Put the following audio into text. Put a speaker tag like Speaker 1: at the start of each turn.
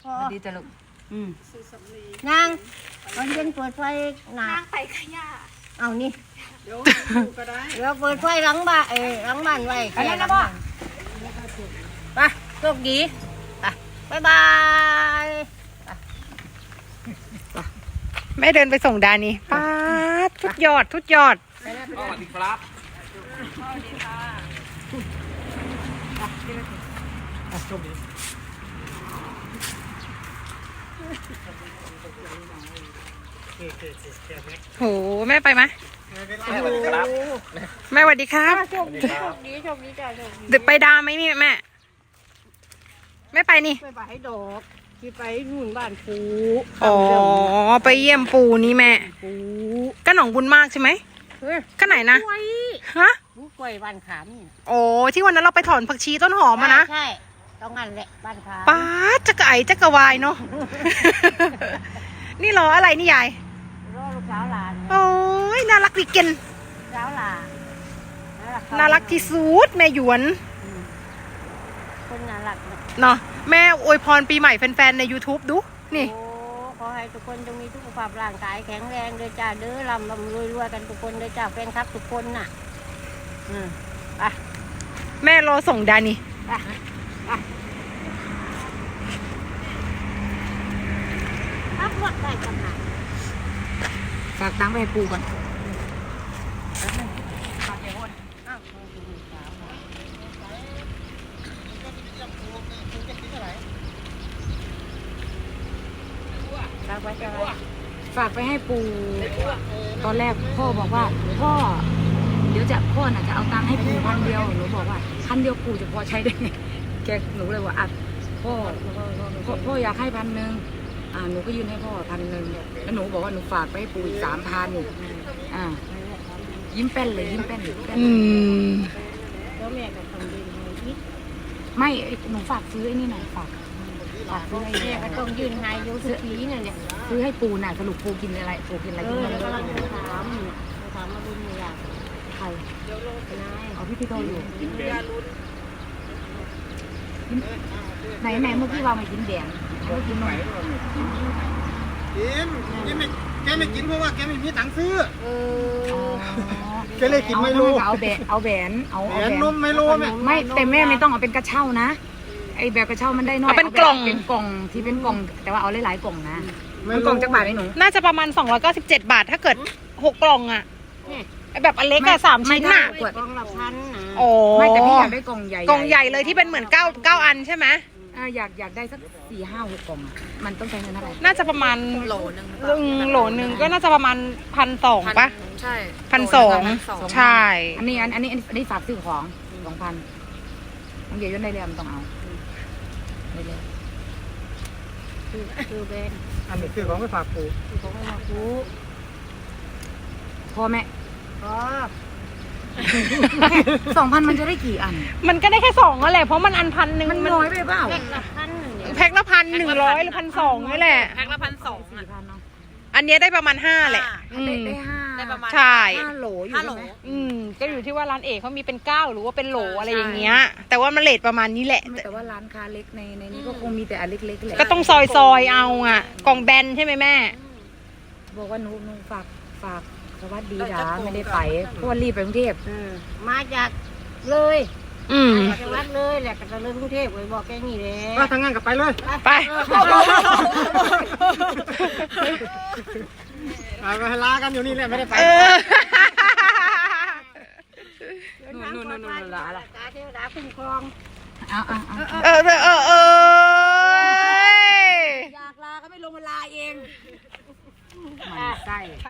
Speaker 1: ดีจ้ะลูก
Speaker 2: นางตอนเย็นเปิดไฟหนา
Speaker 3: นั่งไปขยะ
Speaker 2: เอานี่
Speaker 4: เดี๋ยวดูก็ได้
Speaker 2: เดี๋ยวเปิดไฟหลังบ้านหลังบ้านไว้
Speaker 1: อะไรนะพ่อ
Speaker 2: ไปโชคดีไปบ๊ายบาย
Speaker 5: แม่เดินไปส่งดานี่ป้าดทุกยอดทุกยอด
Speaker 1: สวัสดีครับ
Speaker 5: โหแม่ไปไหม
Speaker 1: สวัสดีครับ
Speaker 5: แม่สวัสดีครับ
Speaker 2: โชคดีจ้าโชคดีจ้าโชคดี
Speaker 5: เดี๋ยวไปดามไหมนี่แม่ไม่ไปนี่
Speaker 2: ไปให้ดอกที่ไปนู่นบ้านปู
Speaker 5: อ๋อไปเยี่ยมปู่นี่แม่
Speaker 2: ปู
Speaker 5: ก็หนองบุญมากใช่ไหม
Speaker 2: เฮ้ย
Speaker 5: ก็ไหนนะ
Speaker 2: กล้วย
Speaker 5: ฮะ
Speaker 2: กล้วยบ้านขามนี่
Speaker 5: โอ้ที่วันนั้นเราไปถอนผักชีต้นหอมมานะ
Speaker 2: ใช่ต้องงั้นแหละบ้านขาม
Speaker 5: ป้าดจักรไอจักรวายเนาะ นี่รออะไรนี่ยาย
Speaker 2: รอลูกสาวหลาน
Speaker 5: โอ้ยน่ารักดีเกิน
Speaker 2: สาวหลาน
Speaker 5: น่ารักที่สุดแม่หยวน
Speaker 2: คนน่ารักนะ
Speaker 5: เนาะแม่อวยพรปีใหม่แฟนๆใน YouTube ดูนี่
Speaker 2: โอ้ขอให้ทุกคนจงมีสุขภาพร่างกายแข็งแรงเด้อจ้าเด้อลำรวยกันทุกคนเด้อจ้าแฟนคลับทุกคนน่ะไป
Speaker 5: แม่รอส่งดานี่
Speaker 2: ไปขับรถได้จังไหน
Speaker 1: ฝากตังค์ไปให้ปู่ก่อน
Speaker 2: รักไว้จะไว้
Speaker 1: ฝากไปให้ปู่ตอนแรกพ่อบอกว่าพ่อเดี๋ยวพ่อน่ะจะเอาตังค์ให้ปู่1,000หนูบอกว่า1,000ปู่จะพอใช้ได้ไงแกหนูเลยว่าอ่ะพ่ออยากให้1,000หนูก็ยื่นให้พ่อ1,000แล้วหนูบอกว่าหนูฝากไปให้ปู่อีก3,000ยิ้มแป้นเลยยิ้มแป้น
Speaker 2: แล้วแม่ก็ต้องยืนให้อีก
Speaker 1: ไม่หนูฝากซื้อไอ้นี่หน่อยฝากซื้อไอ้
Speaker 2: แม่ก็ต้องยืนให้อยูสุขีนั่นเนี่ย
Speaker 1: ซื้อให้ปูน่ะสรุปปูกินอะไรปูกินอะไรกินอะไร
Speaker 2: กำลังจะถามมาดูไม่อยาก
Speaker 1: ใคร
Speaker 2: นาย
Speaker 1: เอาพี่โตอยู่ไหนเมื่อกี้ว่าไม่กินแดงเมื่อกี้นม
Speaker 4: กินแกไม่กินเพราะว่าแกไม่มีตังค์ซื้อ
Speaker 1: อ๋อ
Speaker 4: แกเลยกินไม่รู้
Speaker 1: เอาแหวนเอาแหวนเอา
Speaker 4: แหวนนมไม่รู้แม่
Speaker 1: ไม่แต่แม่ไม่ต้องเอาเป็นกระเช้านะไอแบบกระเช้ามันได้น้อย
Speaker 5: เอาเป็นกล่อง
Speaker 1: เป็นกล่องที่เป็นกล่องแต่ว่าเอาหลายๆกล่องนะมันกล่องจักบาทไหมหนู
Speaker 5: น่าจะประมาณ297 บาทถ้าเกิด6กล่องอะไอแบบอันเล็กอะ3 ชิ้นอะ
Speaker 1: กวด
Speaker 2: กองละพันนะ
Speaker 5: โอ้
Speaker 1: ไม่แต่พี่อยากได้กล่องใหญ่
Speaker 5: กล่องใหญ่เลยที่เป็นเหมือน9 อันใช่ไหม
Speaker 1: อยากได้สัก4, 5, 6กล่องอะมันต้องใช้เงินเท่าไหร่
Speaker 5: น่าจะประมาณโหลหนึ่งก็น่าจะประมาณ1,200ปะ
Speaker 3: ใช่
Speaker 5: 1,200ใช่
Speaker 1: อันนี้ฝากซื้อของ2,000น้องเก๋ย่นได้เลยมันต้องเอาได้เลย
Speaker 2: คือเบน
Speaker 4: อันนี้คือของไปฝากปู่
Speaker 2: คือของมาคู
Speaker 1: พ่อแม่
Speaker 2: อ๋อ
Speaker 1: 2,000มันจะได้กี่อัน
Speaker 5: มันก็ได้แค่2นั่นแหละเพราะมันอัน1,000
Speaker 1: มันน้อยไปเปล่า
Speaker 2: แพ็คละพันเนี่ย
Speaker 5: แพ็คละ1,100หรือ1,200นี่แหละ
Speaker 3: แพ็คละ1,200
Speaker 1: 4,000เนาะ
Speaker 5: อันเนี้ยได้ประมาณ5แหละอืม
Speaker 1: ได้ห้า
Speaker 3: ได้ประมาณ
Speaker 5: ใช่
Speaker 1: 5โหลอยู่
Speaker 3: 5 โหล
Speaker 1: ใช่ไหม
Speaker 5: ก็อยู่ที่ว่าร้านเอกเขามีเป็น9หรือว่าเป็นโหลอะไรอย่างเงี้ย แต่ว่ามันเลทประมาณนี้แหละ
Speaker 1: แต่ว่าร้านค้าเล็กในนี้ก็คงมีแต่อันเล็กๆแหละ
Speaker 5: ก็ต้องซอยเอาอ่ะ กล่องแบนใช่ไหมแม่
Speaker 1: บอกว่าหนูฝากสวัสดีจ้าไม่ได้ไปเพราะว่ารีบไปกรุงเทพ
Speaker 2: มาจากเลย
Speaker 5: อืม
Speaker 2: มาจากวัดเลยแหละก็จะเริ่มกรุงเทพเลยบอกแกนี่แหละ
Speaker 4: ว่าทางงานกลับไปเลย
Speaker 5: ไป
Speaker 4: ไปลากันอยู่นี่แหละไม่ได้ไป
Speaker 5: เออ
Speaker 1: นู่นลาละ
Speaker 2: ตาเทวดาคุ้มครอง
Speaker 1: เอา
Speaker 2: อยากลาก็ไม่ลงมาลาเอง
Speaker 1: มันไส้